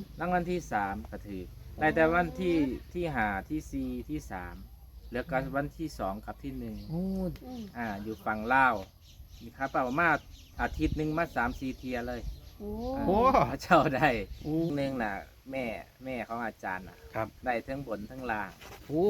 รางวัลที่สามก็ถือได้แต่วันที่ห้าที่สี่ที่สามเหลือก็วันที่สองกับที่หนึ่งโอ้อยู่ฝั่งลาวมีครับเปล่ามาอาทิตย์หนึ่งมา3-4 เทียเลยโอ้โหพระเจ้าได้โอ้หนึ่งน่ะแม่ของอาจารย์น่ะครับได้ทั้งบนทั้งล่างโอ้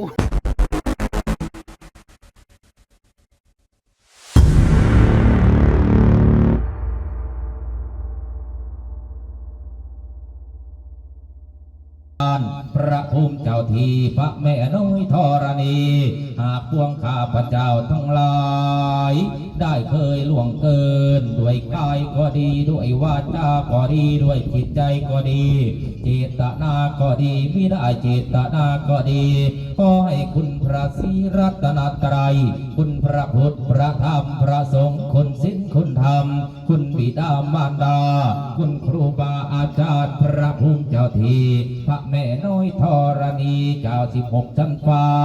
พระภูมิเจ้าทีพระแม่น้อยธรณีหากพวงข้าพระเจ้าทั้งหลายได้เคยล่วงเกินด้วยกายก็ดีด้วยวาจาก็ดีด้วยจิตใจก็ดีเจตนาก็ดีไม่ได้เจตนาก็ดีขอให้คุณพระศรีรัตนตรัยคุณพระพุทธพระธรรมพระสงฆ์คุณศีลคุณธรรมคุณบิดามารดาคุณครูบาอาจารย์พระภูมิเจ้าทีพระแม่น้อยธรณีเจ้า16 ชั้นฟ้า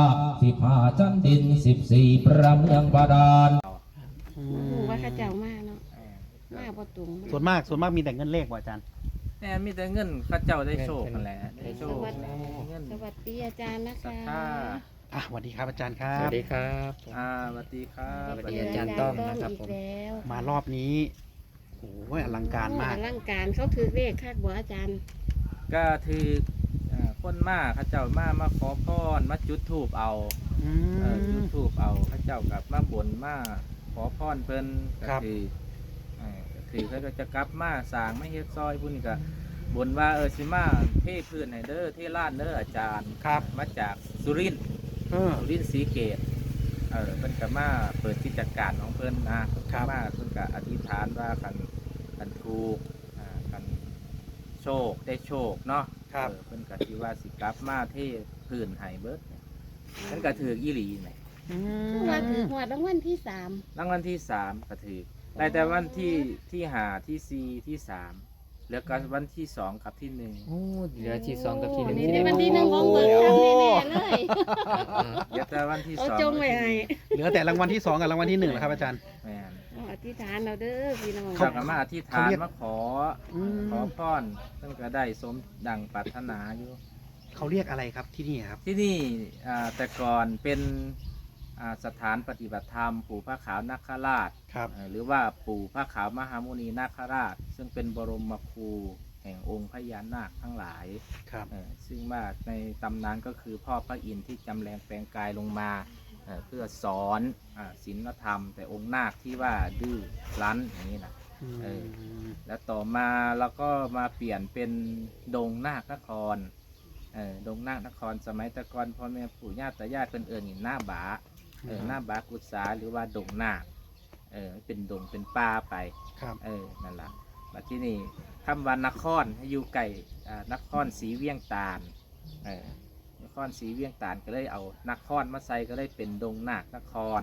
15 ชั้นดิน14 ประเมืองบาดาลว่าข้าเจ้ามาเนาะมาบ่ตุงส่วนมากมีแต่เงินเลขว่ะอาจารย์แน่มีแต่เงินข้าเจ้าได้โชคกันแหละได้โชคเงินสวัสดีอาจารย์นะศรัคะทธาสวัสดีครับอาจารย์ครัสบวัสดีครับสวัสดีครับสวัสดีอาจารย์ต้อมนะครับผมอีกแล้วมารอบนี้โอ้ยอลังการมากอลังการเขาถือเลขคักบ่อาจารย์ก็ถือคนมาข้าเจ้ามาขอพรมาจุดธูปเอาอืจุดมธูปเอาข้าเจ้ากับมาบนมาขอพรเพิ่นก็ครับคือเขาก็จะกลับมาสร้างไม่เฮ็ดซอยพุ่นนี่ก็บนว่าสิมาเทพื้นให้เด้อเทลานเด้ออาจารย์ครับมาจากสุรินทร์ สุรินทร์ศรีเกตเพิ่นก็มาเปิดกิจการของเพิ่นนะครับ มาเพิ่นก็อธิษฐานว่ากันถูกกันโชคได้โชคเนาะครับเพิ่นก็สิว่าสิกลับมาเทพื้นให้เบิดเนี่ยเพิ่นก็ถืออีหลีแหมอืผู้ว่าถือมหวดรางวัลที่สามรางวัลที่สามก็ถือได้แต่วันที่ห้าที่สี่ที่สามเหลือก็วันที่สองกับที่หนึ่งโอ้เหลือที่2กับที่1 นี่ในวันที่หนึ่งของเบิร์ดคักแน่ๆเลยเหลือแต่วันที่เขาสองจงไว้ให้เหลือแต่รางวัลที่2กับรางวัลที่1นะครับอาจารย์แม่นเอาอธิษฐานเราเด้อพี่น้องเขาก็มาอธิษฐานเขาเรียกมาขออืมขอพรเพิ่นก็ได้สมดังปรารถนาอยู่เขาเรียกอะไรครับที่นี่ครับที่นี่แต่ก่อนเป็นสถานปฏิบัติธรรมปู่พระขาวนาคราชครับหรือว่าปู่พระขาวมหามุนีนาคราช ซึ่งเป็นบรมครูแห่งองค์พญานาคทั้งหลายครับซึ่งว่าในตำนานก็คือพ่อพระอินทร์ที่จำแรงแปลงกายลงมาเพื่อสอนศีลธรรม แต่องค์นาคที่ว่าดื้อรั้นอย่างนี้นะ เออ แล้วต่อมาเราก็มาเปลี่ยนเป็นดงนาคนครดงนาคนครสมัยแต่ก่อนพ่อแม่ปู่ย่าตายายเพิ่นเอิ้นหน้าบาหน้าบากุศาหรือว่าดงนาคเป็นดงเป็นป่าไปครับนั่นล่ะบัดที่นี่คำว่านครให้อยู่ไก่นครศรีเวียงตาลนครศรีเวียงตาลก็เลยเอานครมาใส่ก็เลยเป็นดงนาคนคร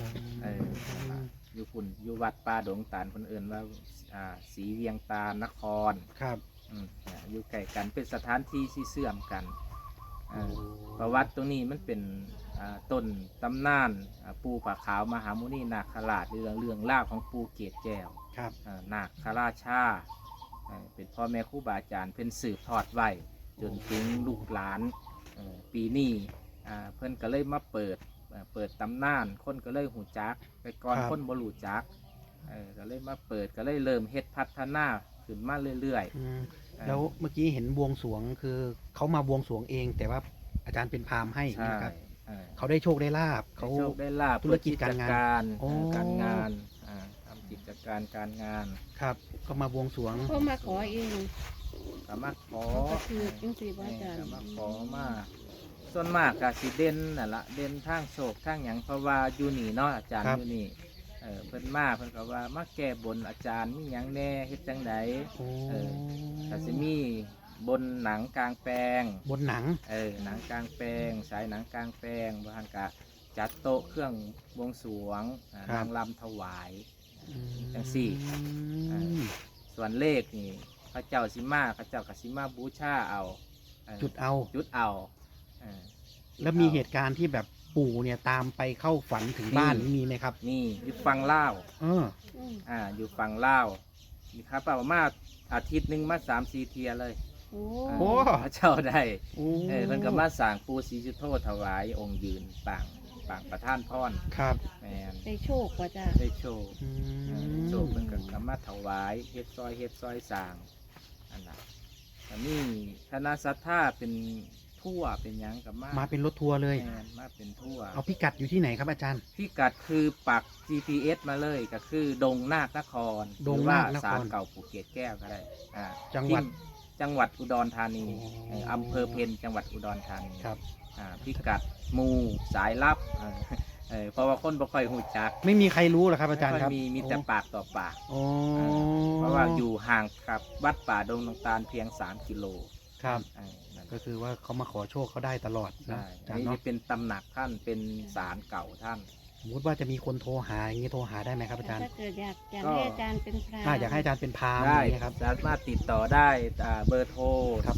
อยู่ปุ่นอยู่วัดป่าดงตาลคนอื่นว่าศรีเวียงตาลนครครับอยู่ใกล้กันเป็นสถานที่ที่เสื่อมกันประวัติตรงนี้มันเป็นต้นตำนานปูผาขาวมหามุนีนาคราชเรื่องเล่าวของปูเกศแก้วครับนาคราชาเป็นพ่อแม่ครูบาอาจารย์เพิ่นสืบทอดไว้จนถึงลูกหลานปีนี้เพิ่นก็เลยมาเปิดตำนานคนก็เลยหูจักไปก่อนครับคนบ่รู้จักก็เลยมาเปิดก็เลยเริ่มเฮ็ดพัฒนาขึ้นมาเรื่อยอืมแล้วเมื่อกี้เห็นบวงสรวงคือเขามาบวงสรวงเอง แต่ว่าอาจารย์เป็นพราหมณ์ให้ๆใช่นะครับเออเขาได้โชคได้ลาบเขาเขาโชคได้ลาบธุรกิจการงานเปิดกิจโอ้การงานทำกิจการงานครับ ก็มาบวงสรวงเขามาขอเองสามารถขอเขาก็คือจังสี่บ่อาจารย์สามารถขอมาส่วนมากก็สิเด่นนั่นละเด่นทางโชคทางหยังเพราะว่าอยู่นี่เนาะอาจารย์ครับอยู่นี่เพิ่นมาเพิ่นก็ว่ามาแก้บนอาจารย์มีหยังแน่เฮ็ดจังไดโอ้เออ ก็สิมีบนหนังกลางแปลงบนหนังหนังกลางแปลงสายหนังกลางแปลงบางกะจัดโต๊ะเครื่องบวงสรวงนางรำถวาย จังสี่ ส่วนเลขนี่พระเจ้าสิมาพระเจ้าก็สิมาบูชาเอาจุดเอาจุดเอาเออแล้วมีเหตุการณ์ที่แบบปู่เนี่ยตามไปเข้าฝันถึงบ้านมีนี่มีไหมครับนี่อยู่ฝั่งลาวเอออืมอยู่ฝั่งลาวมีครับเปล่ามาอาทิตย์หนึ่งมา3-4 เทียเลยโโอ้โอ้พระเจ้าได้โอ้เพิ่นก็มาสร้างปูศรีจุโธถวายองค์ยืนปางประท่านพรครับแม่นได้โชคกว่าจ้ะได้โชว์อืโชว์เพิ่นก็มาถวายเฮ็ดซอยสร้างอันน่ะอันนี้คณะศรัทธาเป็นทั่วเป็นหยังกับมาเป็นรถทัวร์เลยแม่นมาเป็นทั่วเอาพิกัดอยู่ที่ไหนครับอาจารย์พิกัดคือปัก GPS มาเลยก็คือดงนาคนครดงหรือว่านาคนครศาลเก่าภูเก็ตแก้วก็ได้อ่าจังหวัดจังหวัดอุดรธานีอ๋ออำเภอเพนจังหวัดอุดรธานีครับพิกัดหมู่สายลับเพราะว่าคนบ่ค่อยหูจักไม่มีใครรู้เหรอครับอาจารย์ไม่คค่รัอบ ยมีแต่ปากต่อปากโอ้เพราะว่าอยู่ห่างกับวัดป่าดงนงตาลเพียง3 กิโลครับนั่นก็คือว่าเขามาขอโชคเขาได้ตลอดนะใช่อาอัจาน รย์นี้เนาะจะเป็นตำหนักท่านเป็นศาลเก่าท่านสมมติว่าจะมีคนโทรหาอย่างนี้โทรหาได้ไหมครับอาจารย์ถ้าเกิดอยากก็ให้อาจารย์เป็นพระอยากให้อาจารย์เป็นพราหมณ์อได้ย่างนี้ยครับสามารถติดต่อได้เบอร์โทรครับ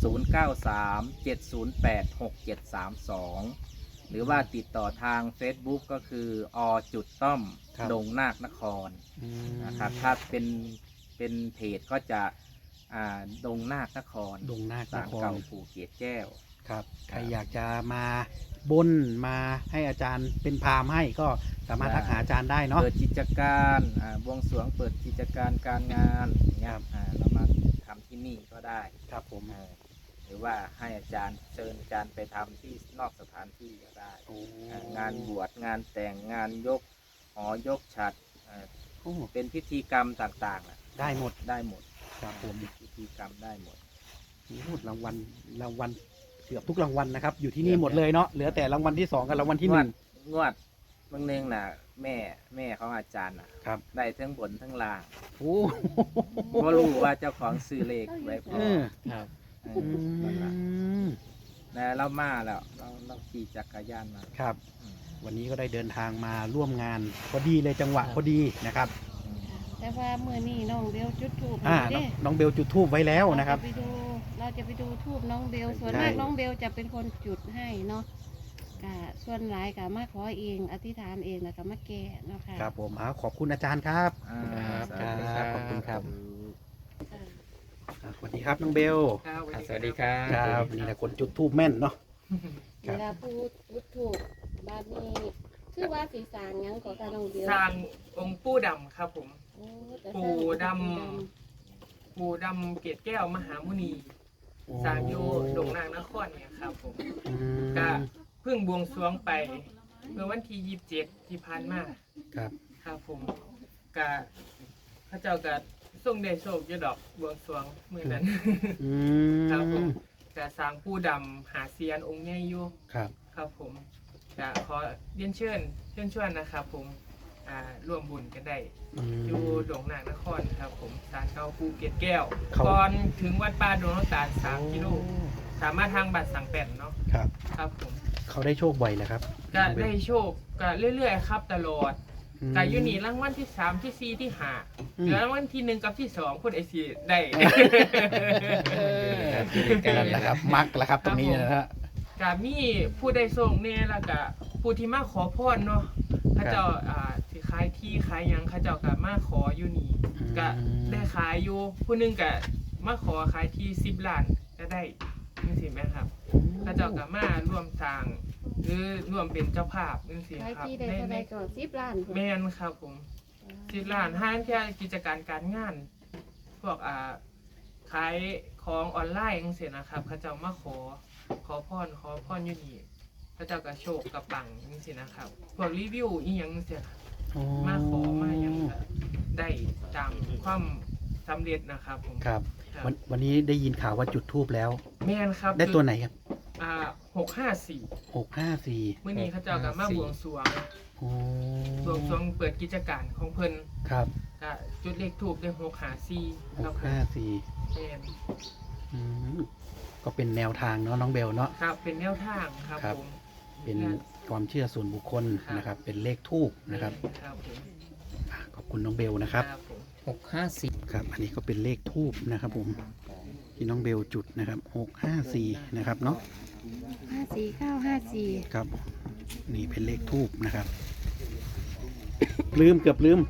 0937086732 หรือว่าติดต่อทาง Facebook ก็คือต้อมดงนาคนครอืมนะครับถ้าเป็นเพจก็จะดงนาคนครดงนาคนศาลครเก่าภูเก็ตแก้วครับใครอยากจะมาบนมาให้อาจารย์เป็นพราหมณ์ให้ก็สามารถทักหาอาจารย์ได้เนาะเปิดกิจการบวงสรวงเปิดกิจการการงานอย่างเงี้ยเรามาทำที่นี่ก็ได้ครับผมหรือว่าให้อาจารย์เชิญอาจารย์ไปทำที่นอกสถานที่ก็ได้โอ้งานบวชงานแต่งงานยกหอยกฉัตรโอ้เป็นพิธีกรรมต่างๆได้หมดได้หมดครับผมพิธีกรรมได้หมดพูดรางวัลเกือบทุกรางวัลนะครับ อยู่ที่นี่หมดเลยเนาะเหลือแต่รางวัลที่ 2กับรางวัลที่ 1 งวดบางเนืองน่ะแม่ของอาจารย์น่ะครับได้ทั้งบนทั้งล่างโอ้ก็รู้ว่าเจ้าของซื้อเลขไว้พอครับนั่นล่ะแต่เรามาแล้วเราขี่จักรยานมาครับอืมวันนี้ก็ได้เดินทางมาร่วมงานพอดีเลยจังหวะพอดีนะครับอืมแต่ว่าเมื่อนี้น้องเบลจุดธูปน้องเบลจุดธูปไว้แล้วนะครับเราจะไปดูทูบน้องเบลส่วนใช่มากน้องเบลจะเป็นคนจุดให้เนาะกะส่วนหลายกะมาขอเองอธิษฐานเองแล้วก็มาแก้เนาะค่ะครับผมขอบคุณอาจารย์ครับครับครับขอบคุณครับ สวัสดีครับน้องเบลสวัสดีครับครับนี่แหละคนจุดธูปแม่นเนาะ คเวรับลาพูดถูกบาดนี้คือว่าสีสางหยังก็กะน้องเบลสร้างองค์ปู่ดำครับผมโอ้แต่ปู่ดำ ปู่ดำเกศแก้วมหามุนีสร้างอยู่ดงนางนครเนี่ยครับผมอืมก็เพิ่งบวงสรวงไปเมื่อวันที่27ที่ผ่านมาครับครับผมก็พระเจ้าก็ทรงได้โชคอยู่ดอกบวงสรวงมื้อนั้นอืครับผมมก็สร้างปู่ดำหาเซียนองค์ใหญ่อยู่ครับครับผมก็ขอเรียนเชิญชวนนะครับผมร่วมบุญกันได้อืมอยู่ดงนางนครครับผมศาลเก่าภูเก็ตแก้วเขาก่อนถึงวัดป่าดงน้ำตาล3 กิโลสามารถทางบัตรสั่งแป่นเนาะครับครับผมเขาได้โชคบ่อยเลยครับก็ได้โชคก็เรื่อยๆครับตลอดอืมก็อยู่นี่รางวัลที่ 3 ที่ 4 ที่ 5 อืมเหลือรางวัลที่ 1 กับที่ 2คนไอซีได้นั่นแหละครับ มักแหละครับตรงนี้นะฮะก็มีผู้ได้ส่งเนี่ยแล้วก็ผู้ที่มาขอพรเนาะเขาเจ้าสิขายที่ขายหยังเขาเจ้าก็มาขออยู่นี่ก็ได้ขายอยู่ผู้หนึงก็มาขอขายที่10 ล้านก็ได้จังซี่แม่ครับเขาเจ้าก็มาร่วมสร้างหรือร่วมเป็นเจ้าภาพจังซี่ขายครับที่ได้เท่าไหรก่อน10 ล้านพุ่นแม่นครับผม10 ล้านห้างแค่กิจการการงาน พวกขายของออนไลน์จังซี่นะครับเขาเจ้ามาขอพรอยู่นี่พระเจ้าก็โชคกับปังจังซี่นะครับพวกรีวิวอีหยังจังซี่ครับ มาขอมาหยังก็ได้ตามความสำเร็จนะครับผมครับครับวันนี้ได้ยินข่าวว่าจุดธูปแล้วแม่นครับได้ตัวไหนครับ 654 654 มื้อนี้เขาเจ้าก็มาบวงสรวงโอ้บวงสรวงเปิดกิจการของเพิ่นครับก็จุดเลขทูปได้654ครับผม 654 แม่นอืมก็เป็นแนวทางเนาะน้องเบลเนาะครับเป็นแนวทางครับครับผมเป็นความเชื่อส่วนบุคคลนะครับ เป็นเลขทูปนะครับครับผมขอบคุณน้องเบลนะครับผมครับ อันนี้ก็เป็นเลขทูปนะครับผมที่น้องเบลจุดนะครับ654นะครับเนาะ 54954 ครับ นี่เป็นเลขทูปนะครับ ลืมเกือบลืม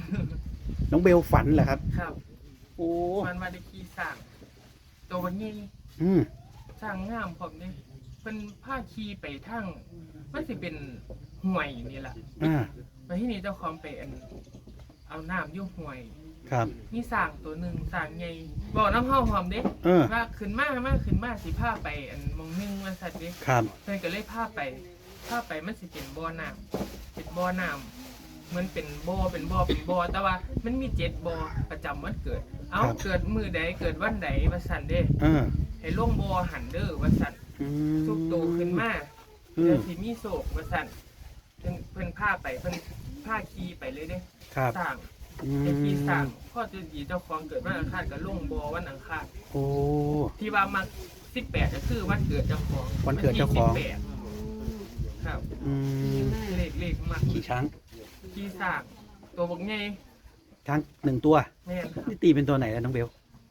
น้องเบลฝันเหรอครับครับโอ้มันมาได้ขี่สร้างตัววันนี้อืมสร้างงามพร้อมเด้เพิ่นพาขี่ไปทางมันสิเป็นห้วยนี่ล่ะอ่ามาที่นี่เจ้าของไปเอาน้ำอยู่ห้วยครับมีสร้างตัวหนึงสร้างใหญ่บอกน้ำเฮาพร้อมเด้ ว่าขึ้นมาสิพาไปหมองนึงว่าซั่นเด้ครับเพิ่นก็เลยพาไปมันสิเป็นบ่อน้ำเป็นบ่อน้ำมันเป็นบ่อแต่ว่ามันมี7บ่อประจำวันเกิด เอาเกิดมื้อใดเกิดวันใดว่าซั่นเด้ ให้ลงบ่อหันเด้อว่าซั่น ทุกโตขึ้นมาเดี๋ยวสิมีโศกว่าซั่นเพิ่นพาไปเพิ่นพาขี่ไปเลยเด้ครับสร้างไอ้ขี่สร้างพ่อจะดีเจ้าของเกิดวันอังคารก็ลงบ่อวันอังคารโอ้ที่ว่ามัก18ก็คือวันเกิดเจ้าของวันเกิดเจ้าของวันที่18ครับอืมเลขมักขี่ช้างขี่สร้างตัวบักใหญ่ช้าง1 ตัวแม่นครับนี่ตีเป็นตัวไหนแล้วน้องเบล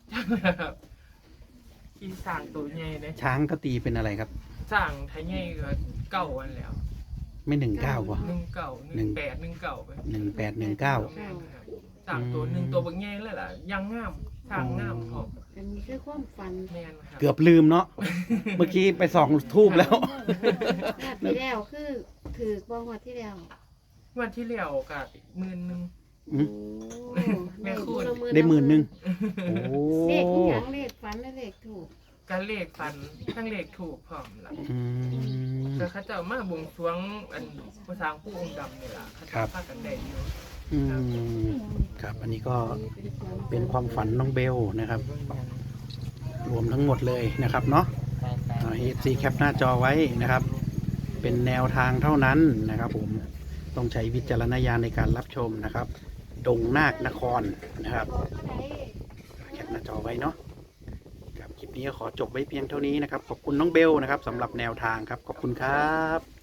ขี่สร้างตัวใหญ่เด้ช้างก็ตีเป็นอะไรครับสร้างไทยใหญ่ก็เก่าอันแล้วไม่19ป่ะ 18 19ไป 1819 แม่นครับสร้างตัวหนึงตัวบักใหญ่เลยล่ะยังงามสร้างงามพร้อมอันนี้คือความฝันแม่นครับเกือบลืมเนาะ เมื่อกี้ไปส่องทูบแล้วงวดที่แล้วคือถือบ่งวดที่แล้ววันที่แล้วก็10,000 อืมโอ้แม่คุณได้10,000 โอ้เลขอีหยังเลขฝันและเลขถูกก็เลขฟันทั้งเลขถูกพร้อมล่ะอืมแต่เขาเจ้ามาบวงสรวงผู้สร้างผู้องค์ดำนี่ล่ะเขาครัเจ้าบพากันได้อยู่อืมครับ อันนี้ก็เป็นความฝันน้องเบลนะครับ รวมทั้งหมดเลยนะครับเนาะFC แคปหน้าจอไว้นะครับ เป็นแนวทางเท่านั้นนะครับผม ต้องใช้วิจารณญาณในการรับชมนะครับ ดงนาคนครนะครับ แคปหน้าจอไว้เนาะครับคลิปนี้ก็ขอจบไว้เพียงเท่านี้นะครับ ขอบคุณน้องเบลนะครับสำหรับแนวทางครับ ขอบคุณครับ